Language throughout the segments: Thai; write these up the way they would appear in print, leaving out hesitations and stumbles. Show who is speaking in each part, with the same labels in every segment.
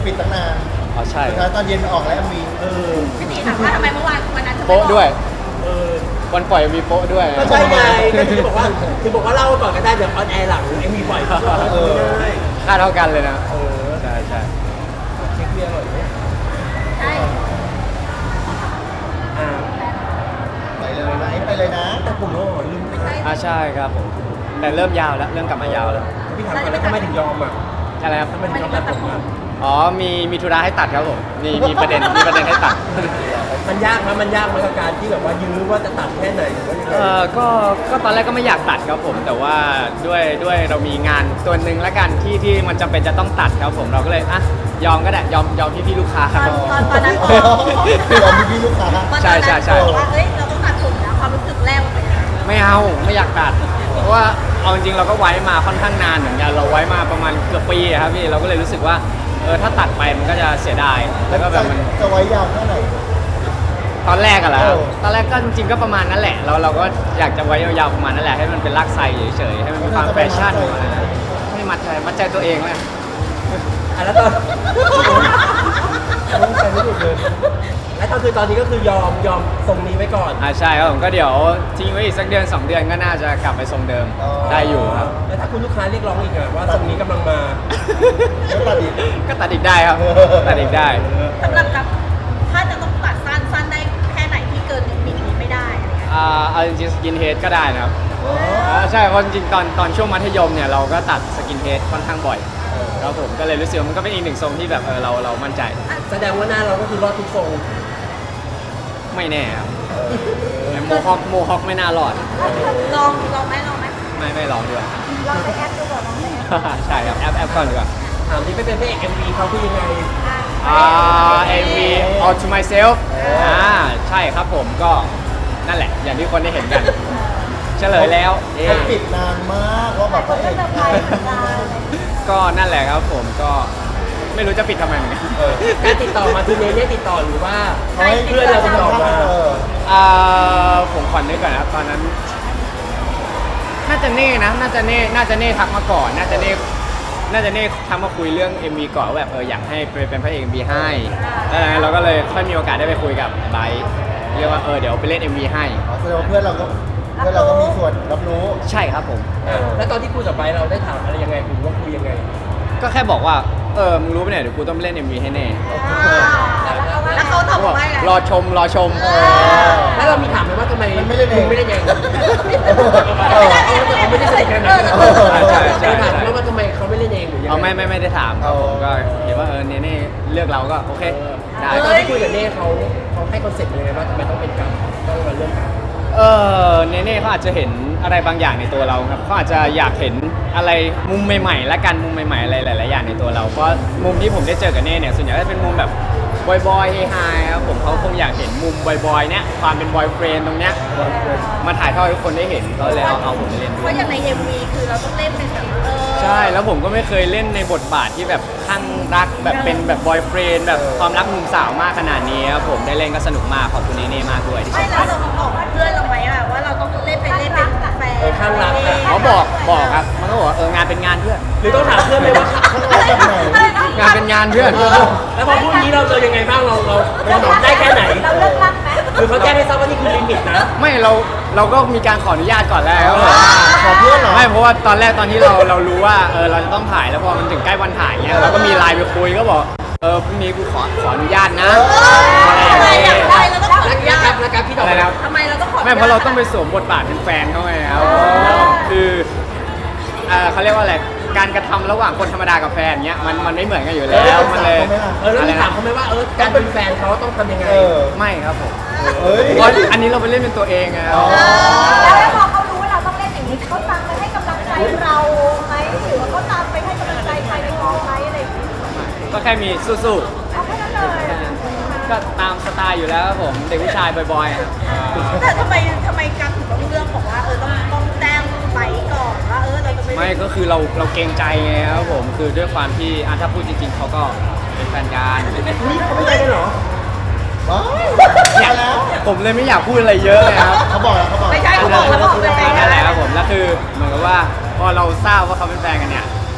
Speaker 1: ปิดตั้งนาน
Speaker 2: อ๋อใช่
Speaker 1: สุดท้ายตอนเย็นออกแล้วมี
Speaker 3: พี่ตีถามว่าทำไมเมื่อวานวันนั้น
Speaker 2: โป๊ะด้วยวันปล่อยมีโป๊ะด้วย
Speaker 4: ก็ใช่ไงก็ถึงบอกว่าเล่าก่อนก็ได้เดี๋ยวออนแอร์หลังไอ้มีปล่อยเขาได้
Speaker 2: ค่าเท่ากันเลยนะใช่ใช่
Speaker 4: เช็คเบียร์อร่อยไหม
Speaker 3: ใช่
Speaker 1: ไปเลยไหมไปเลยนะ
Speaker 4: แต่ผมก็ลืม
Speaker 2: ใช่ครับผมแต่เริ่มยาวแล้วเริ่มกลับมายาวแล้ว
Speaker 4: พี่ถามก่อนแล้วทำไมถึงยอมอ่ะ
Speaker 2: อะไรครับ
Speaker 4: ทำไมถึงยอมตัดผมอ่ะ
Speaker 2: อ๋อมีธุระให้ตัดครับผมมีประเด็นให้ตัด
Speaker 4: มันยากไหมกับการที่แบบว่ายื้อว่าจะตัดแค่ไหนหรือว่ายังไง
Speaker 2: ก็ตอนแรกก็ไม่อยากตัดครับผมแต่ว่าด้วยเรามีงานตัวหนึ่งแล้วกันที่มันจำเป็นจะต้องตัดครับผมเราก็เลยยอมก็ได้ยอมพี่ลูกค้าครับ
Speaker 3: ตอนนั้น
Speaker 1: เรามีพี่ลูกค้า
Speaker 2: ใช่
Speaker 3: บอกว่าเฮ้ยเราต้องตัดผมนะความรู้สึกแรกมันเป็นยังไง
Speaker 2: ไม่อยากตัดเพราะว่าเอาจริงๆเราก็ไว้มาค่อนข้างนานเหมือนกันเราไว้มาประมาณเกือบปีอะครับพี่เราก็เลยรู้สึกว่าถ้าตัดไปมันก็จะเสียดายแล้วก็แบบมัน
Speaker 1: จะไว้ยาวแค่ไหน
Speaker 2: ตอนแรกอะแล้ว
Speaker 1: โอ้
Speaker 2: ตอนแรกก็จริงๆก็ประมาณนั้นแหละเราก็อยากจะไว้ยาวๆประมาณนั้นแหละให้มันเป็นลากไซเฉยๆให้มันเป็นความแฟชั่นให้มัดใจตัวเองเลย
Speaker 4: แล้วตอนใจไม่หยุดเลยแล้วก็คือตอนนี้ก็คือยอมทรงนี้ไว้ก่อน
Speaker 2: ใช่ครับผมก็เดี๋ยวทิ้งไว้อีกสักเดือน2 เดือนก็น่าจะกลับไปทรงเดิมได้อยู่ครับ
Speaker 4: แล้วถ้าคุณลูกค้าเรียกร้องอีกอะว่าทรงนี้กำลังมา
Speaker 1: ไม่ตัดอีก
Speaker 2: ก็ตัดอีกได้ครับตัดอีกได้
Speaker 3: สำหรับกับถ้าจะต้องตัดสั้นได้แค่ไหนที่เกินลิมิตนี้ไม่ได้อะไรเงี้ย
Speaker 2: เอาจริงๆสกินเฮดก็ได้นะครับใช่เพราะจริงๆตอนช่วงมัธยมเนี่ยเราก็ตัดสกินเฮดค่อนข้างบ่อยครับผมก็เลยรู้สึกว่ามันก็เป็นอีกหนึ่งทรงที่แบบเรามั่นใจ
Speaker 4: แสดงว่าหน้าเราก็คือรอดทุกทรง
Speaker 2: ไม่แน่ครับโมฮอคไม่น่ารอด
Speaker 3: ลองไหม
Speaker 2: ไม่ลองดีกว่า
Speaker 3: ลองไปแอปดูก่อนลองไปแอป
Speaker 2: ใช่ครับแอปก่อนดีกว่า
Speaker 4: ถามที่ไปเป็นพระเอก MV เขาคือยังไง
Speaker 2: MV All to Myself ใช่ครับผมก็นั่นแหละอย่างที่คนได้เห็นกันเฉลยแล้วเอ๊ะ
Speaker 1: เขาปิดนานมากว่าแบบพระเอก
Speaker 2: ก็นั่นแหละครับผมก็ไม่รู้จะปิดทำไมเหมือนกัน
Speaker 4: การติดต่อมาคือเนเน่ติดต่อหรือว่าเขาให้เพื่อนเราติดต่อมา
Speaker 2: ผมขอนึกก่อนนะครับตอนนั้น น่าจะเน่ทักมาก่อนน่าจะเน่ทักมาคุยเรื่อง MV ก่อนว่าแบบอยากให้เป็นพระเอก MV ให้แล้วเราก็เลยค่อยมีโอกาสได้ไปคุยกับไบร์ทเรียกว่าเดี๋ยวไปเล่น MV ให้
Speaker 1: แสดงว่าเพื่อนเราก็มีส่วนรับรู้
Speaker 2: ใช่ครับผม
Speaker 4: แล้วตอนที่คุยกับไบร์ทเราได้ถามอะไรยังไงหรือว่าคุยยังไง
Speaker 2: ก็แค่บอกว่ามึงรู้ปะเนี่ยเดี๋ยวกูต้องไปเล่น MV ให้แน่
Speaker 3: แล้วเขาตอบ
Speaker 2: บอก
Speaker 3: ว่าอะไร
Speaker 2: รอชม
Speaker 4: แล้วเรามีถามไหมว่าทำไม
Speaker 1: มันไม่ได้เอง
Speaker 4: ไม่ได้เอง
Speaker 1: ไม่ได้
Speaker 4: ไม่ได้ใส่กันนะ
Speaker 2: ใช่
Speaker 4: ถามว่าทำไมเขาไม่เล่นเองหรือยังไง
Speaker 2: ไม่ได้ถามครับผมก็เห็นว่าเน่เลือกเราก็โอเคได้
Speaker 4: แล้วตอนที่คุยกับเน่เขาให้คอนเซ็ปต์ยังไงว่าทำไมต้องเป็นการต้องมาเรื่องการ
Speaker 2: เน่เขาอาจจะเห็นอะไรบางอย่างในตัวเราครับเขาอาจจะอยากเห็นอะไรมุมใหม่ๆและกันมุมใหม่ๆอะไรหลายๆอย่างในตัวเราเพราะมุมที่ผมได้เจอกับเน่เนี่ยส่วนใหญ่ก็จะเป็นมุมแบบบอยๆเฮฮาครับผมเขาคงอยากเห็นมุมบอยๆเนี่ยความเป็นบอยเฟรนด์ตรงเนี้ยมาถ่ายทอดให้ทุกคนได้เห็นก็เลยเอาผมไปเล่นด้
Speaker 3: เพ
Speaker 2: วย
Speaker 3: ราะอย่างใน MV คือเราต้องเล่นเป็นแบบ
Speaker 2: ใช่แล้วผมก็ไม่เคยเล่นในบทบาทที่แบบข้างรักแบบเป็นแบบบอยเฟรนด์แบบความรักมุมสาวมากขนาดนี้ครับผมได้เล่นก็สนุกมากขอบคุณเน่มากด้วยที่ช
Speaker 3: ไม่
Speaker 2: ม
Speaker 3: แล้วเราบอกเพื่อนเราไหมว่าเราต้องเล่นเป็นแฟน
Speaker 4: ข้างหลัง
Speaker 2: เขาบอกครับมันก็บอกว่างานเป็นงานเพื่อน
Speaker 4: หรือต้องถามเพื่อนไหมว่า
Speaker 2: งานเป็นงานเพื่อน
Speaker 4: แล้วพอพูดนี้เราเจอยังไงบ้างเราตอบได้แค่ไหน
Speaker 3: เราเลิกรักไหม
Speaker 4: หรือเขาแจ้งให้ทราบว่านี่คือลิมิตนะ
Speaker 2: ไม่เราก็มีการขออนุญาตก่อนแล้ว
Speaker 1: ขอเพื่อนเหรอ
Speaker 2: ไม่เพราะว่าตอนแรกตอนที่เรารู้ว่าเราจะต้องถ่ายแล้วพอมันถึงใกล้วันถ่ายเงี้ยเราก็มีไลน์ไปคุยก็บอกพรุ่งนี้กูขออนุญาตนะ
Speaker 3: ทำไมอยากได้เราต้องขออนุญาต
Speaker 4: แล้วการพี่ตอบ
Speaker 2: อะไรนะครับ
Speaker 3: ทำไมเราต้องขอ
Speaker 2: ไม่เพราะเราต้องไปสวมบทบาทเป็นแฟนเขาไงครับคือเขาเรียกว่าอะไรการกระทำระหว่างคนธรรมดากับแฟนเงี้ยมันไม่เหมือนกันอยู่แล้วมันเลย
Speaker 4: แล้วมีถามเขาไหมว่าการเป็นแฟนเขาต้องทำยังไง
Speaker 2: ไม่ครับผม
Speaker 1: เฮ้ย
Speaker 2: เพราะอันนี้เราไปเล่นเป็นตัวเองไงครับ
Speaker 5: แล้วพอเขารู้ว่าเราต้องเล่นอย่างนี้เขาตามไปให้กำลังใจเราไหมหรือว่าเขาตามไปให้กำลังใจใครในกองไหมอะไรอย่างนี้
Speaker 2: ก็แค่มีสู้
Speaker 5: เอาแค่นั้นเลย
Speaker 2: ๆก็ตามสไตล์อยู่แล้วครับผมเด็กผู้ชายบ่อยๆครับ
Speaker 3: แต่ทำไมการถึงต้องเลือกบอกว่าต้องแจ้งไปก่อนว่าเราจะ
Speaker 2: ไม่ก็คือเราเกรงใจไงครับผมคือด้วยความที่ถ้าพูดจริงๆเขาก็เป็นแฟนกัน
Speaker 4: เขาไม่ได้กันเหรอ
Speaker 1: ว้าว
Speaker 2: เนี่ย
Speaker 1: แล้ว
Speaker 2: ผมเลยไม่อยากพูดอะไรเยอะเลยครับ
Speaker 1: เขาบอกแล้วเขาบอก
Speaker 3: ไม่ใช่เขาบอกแล้วบอกเป็นแฟน
Speaker 2: นั่นแหละครับผมแล้วคือเหมือนกับว่าพอเราทราบว่าเขาเป็นแฟนกันเนี่ย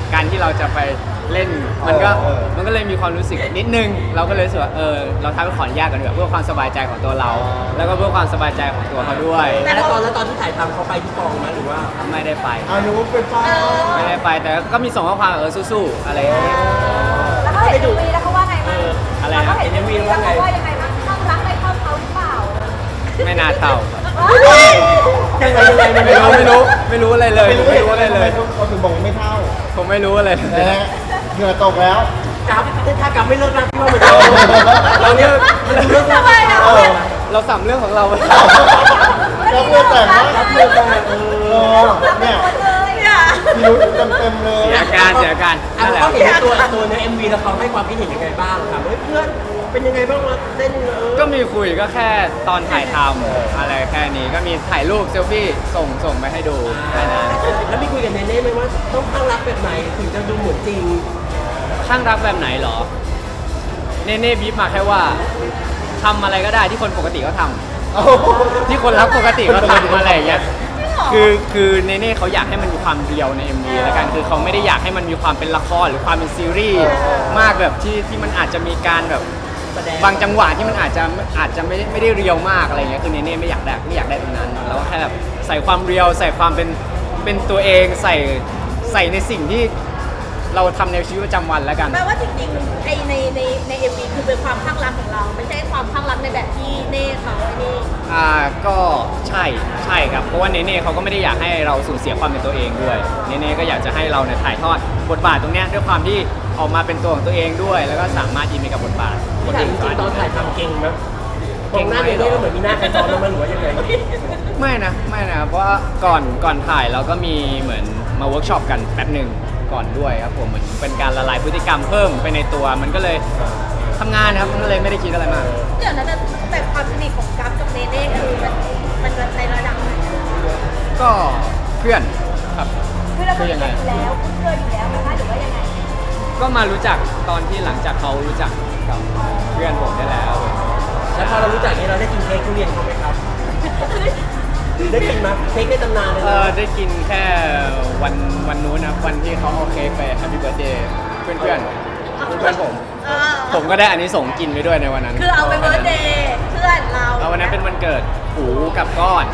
Speaker 2: การที่เราจะไปเล่นมันก็เลยมีความรู้สึกนิดนึงเราก็เลยรู้สึกว่าเราทำให้ขออนุญาตกันดีกว่าเพื่อความสบายใจของตัวเรา แล้วก็เพื่อความสบายใจของตัวเขาด้วย
Speaker 4: แล้วตอนที่ถ่ายทำเขาไปที่กองไหมหรือว่า
Speaker 2: ไม่ได้ไป
Speaker 1: นุเป็นฟ้า
Speaker 2: ไม่ได้ไปแต่ก็มีส่งข้อความสู้ๆอะไรอย่างเงี้ย
Speaker 5: แล้วเขาเห็นวีแล้วเขาว่าไงบ้าง
Speaker 2: อะไร
Speaker 5: แล้ว
Speaker 2: นะ
Speaker 5: เขาเห็นวีแล้วเขาว่ายังไงบ้างข้างรักได้เท่าเขาหรือเปล่า
Speaker 2: ไม่น่าเท่า
Speaker 4: ยังไง
Speaker 2: ไม่รู้อะไรเลยไม่รู้อะไรเลย
Speaker 1: เขาถึงบอกไม่เท่า
Speaker 2: ผมไม่รู้อะไรเลย
Speaker 1: นะฮะเหงื่อตกแล้ว
Speaker 4: กับถ้ากับไม่เลิกรักพี่ว่ามันจะ
Speaker 2: เราเนี่ย
Speaker 3: ทำไมอ่ะ
Speaker 2: เราสัมเรื่องของเรา
Speaker 1: แล้วเพื่อนแต่งนะเพื่อนแต่งเนี่ย
Speaker 3: เนี่ย
Speaker 1: มีรู้เต็มเลย
Speaker 2: เสียการนั่นแหละ
Speaker 4: เขาเห็นตัวใน MV แล้วเขาให้ความคิดเห็นยังไงบ้างครับเพื่อนเป็นยังไงบ้างมาเต้น
Speaker 2: ก็มีคุยก็แค่ตอนถ่ายทำอะไรแค่นี้ก็มีถ่ายรูปเซลฟี่ส่งไปให้ดูแค่นั้น
Speaker 4: แล้วมีคุยกับเนเน่ไหมว่าต้องข้างรักแบบไหนถึงจะดูเหมือนจริง
Speaker 2: ข้างรักแบบไหนเหรอ เน่บีบมาแค่ว่าทำอะไรก็ได้ที่คนปกติก็ทำที่คนรักปกติก็ทำอะไรอย่างเงี้ยคือเน่เขาอยากให้มันมีความเรียวใน MV แล้วกันคือเขาไม่ได้อยากให้มันมีความเป็นละครหรือความเป็นซีรีส์มากแบบที่มันอาจจะมีการแบบ
Speaker 4: แสดง
Speaker 2: บางจังหวะที่มันอาจจะไม่ได้เรียวมากอะไรเงี้ยคือเน่ไม่อยากได้ตรงนั้นแล้วก็แค่แบบใส่ความเรียวใส่ความเป็นตัวเองใส่ในสิ่งที่เราทำในชีวิตประจำวันแล้วกัน
Speaker 3: แปลว่าจริงๆใน MV คือเป็นความข้างรักของเรา ไม่ใช่ความข้างรักในแบบที่เน่เขาไอ้นี่
Speaker 2: ก็ใช่ครับเพราะว่าเน่เขาก็ไม่ได้อยากให้เราสูญเสียความเป็นตัวเองด้วยเน่ก็อยากจะให้เราเนี่ยถ่ายทอดบทบาทตรงเนี้ยด้วยความที่ออกมาเป็นตัวของตัวเองด้วย แล้วก็สามารถอินไปกับบทบาท
Speaker 4: ที่ถามจริงๆตอนถ่ายทำเก่งไหมตรงหน้าเนเน่ก็เหมือนมีหน้าใครซ้อนลงมาหรือว่ายังไง
Speaker 2: ไม่นะเพราะว่าก่อนถ่ายเราก็มีเหมือนมาเวิร์กช็อปกันแป๊บหนึ่งก่อนด้วยครับผมเหมือนเป็นการละลายพฤติกรรมเพิ่มไปในตัวมันก็เลยทำงานครับมันก็เลยไม่ได้คิดอะไรมาก
Speaker 3: เดี๋ยวนะแต่ความสนิทของกัฟกับเนเน่คือมันในระดับไหนอะ
Speaker 2: ก็เพื่อนครับ
Speaker 5: คือเราเป็นอยู่แล้วคุ้นเคยอยู่แล้วนะคะหรือว่ายังไง
Speaker 2: ก็มารู้จักตอนที่หลังจากเขารู้จักกับเพื่อนผมได้แล้ว
Speaker 4: แล้วพอเรารู้จักนี้เราได้กินเค้กทุเรียนเขาไหมครับ ได้กินไหมเค้กในตำนานเลย
Speaker 2: ได้กินแค่วันนู้นนะวันที่เขาเอาเค้กไปแฮปปี้เบิร์ดเดย์เพื่อนผม ผมก็ได้อันนี้ส่งส์กินไปด้วยในวันนั้น
Speaker 3: คือเอาไปเบิร์ธเดย์เพื่อนเรา
Speaker 2: แล้ววันนั้นเป็นวันเกิดหูกับก้อน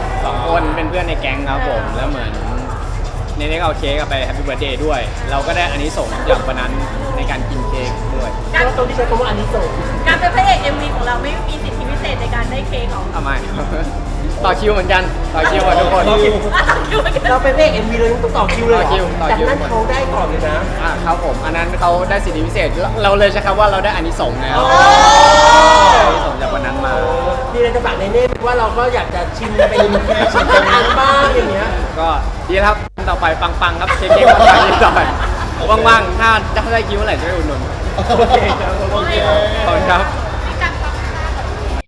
Speaker 2: 2 คนเป็นเพื่อนในแก๊งครับผมแล้วเหมือนเนเน่ก็เอาเค้กไปแฮปปี้เบิร์ดเดย์ด้วย เราก็ได้อันนี้ส่งส์จากวันนั้นในการกินเค้กด้วย
Speaker 4: แล้วตรงที่ใช้คำว่าอันนี้ส่ง
Speaker 3: การเป็นพระเอก MV ของเราไม่มีสิทธิพิเศษในการได้เค้กของ
Speaker 2: ทำไม ต่อคิวเหมือนกันต่อคิวกับทุกคน
Speaker 4: เราเป็นพระเอก MV เลยต้องต่อคิวเลยเหรอ
Speaker 2: ต่อ
Speaker 4: จาก
Speaker 2: คิว
Speaker 4: นั้นเขาได้ก่อนเลยนะ
Speaker 2: ครับผมอันนั้นเขาได้สิทธิพิเศษเราเลยใช้คำว่าเราได้อานิสงส์แล้วอานิสงส์จากวันนั้นมา
Speaker 4: มีอะไรจะฝากในเน่ว่าเราก็อยากจะชิมเป็นชิมเป็นอันบ้างอย่างเงี้ย
Speaker 2: ก็ดีครับต่อไปปังๆครับเค้กๆปังๆดีต่อไปว่างๆถ้าได้คิวเมื่อไหร่จะไปอุดหนุน
Speaker 4: โอเคครับ
Speaker 1: โอเค
Speaker 2: ขอบคุณครับ